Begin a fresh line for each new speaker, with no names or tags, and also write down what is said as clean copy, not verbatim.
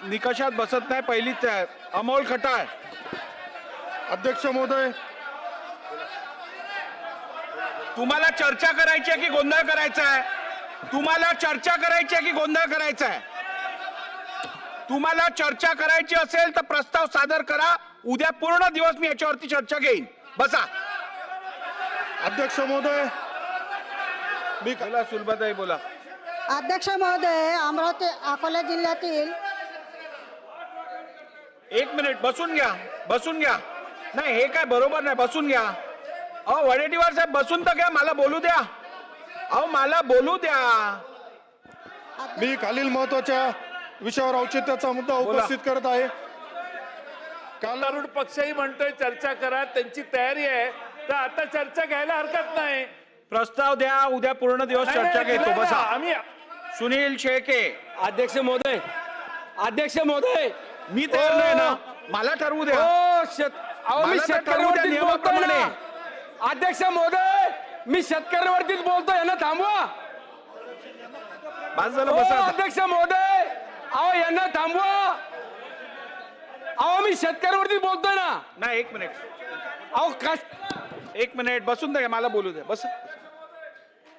निकषात बसत नाही. पहिलीच आहे अमोल खटाळ.
अध्यक्ष महोदय,
तुम्हाला चर्चा करायची आहे की गोंधळ करायचा आहे? तुम्हाला चर्चा करायची आहे की गोंधळ करायचा आहे? तुम्हाला चर्चा करायची असेल तर प्रस्ताव सादर करा. उद्या पूर्ण दिवस मी याच्यावरती चर्चा घेईन. बसा.
अध्यक्ष महोदय, मी
बोला सुलभाताई, बोला.
अध्यक्ष महोदय, अमरावती अकोला जिल्ह्यातील
एक मिनिट बसून घ्या, बसून घ्या. नाही हे काय बरोबर नाही. बसून घ्या. अहो वडेट्टीवार साहेब बसून तर घ्या, मला बोलू द्या. अहो मला बोलू द्या.
मी खालील महत्वाच्या विषयावर औचित्याचा मुद्दा
बोला.
उपस्थित करत आहे. काल
तरुण पक्षही म्हणतोय चर्चा करा, त्यांची तयारी आहे, तर आता चर्चा घ्यायला हरकत नाही.
प्रस्ताव द्या. उद्या पूर्ण दिवस चर्चा घेतो.
नाही,
बसा.
आम्ही
सुनील शेळके.
अध्यक्ष महोदय, अध्यक्ष महोदय,
मी तयार नाही ना, मला ठरवू द्या.
अहो मी
मला तर ठरवू द्या
शेतकऱ्यावरतीच बोलतोय
नियमाप्रमाणे.
ना. अध्यक्ष महोदय, मी शेतकऱ्यावरतीच बोलतोय, यांना थांबवा.
बस झालं. बसा आता.
अध्यक्ष महोदय, अहो यांना थांबवा. अहो मी शेतकऱ्यावरतीच बोलतोय ना.
नाही एक मिनिट,
अहो
एक मिनिट बसून द्या, मला बोलू द्या. बस.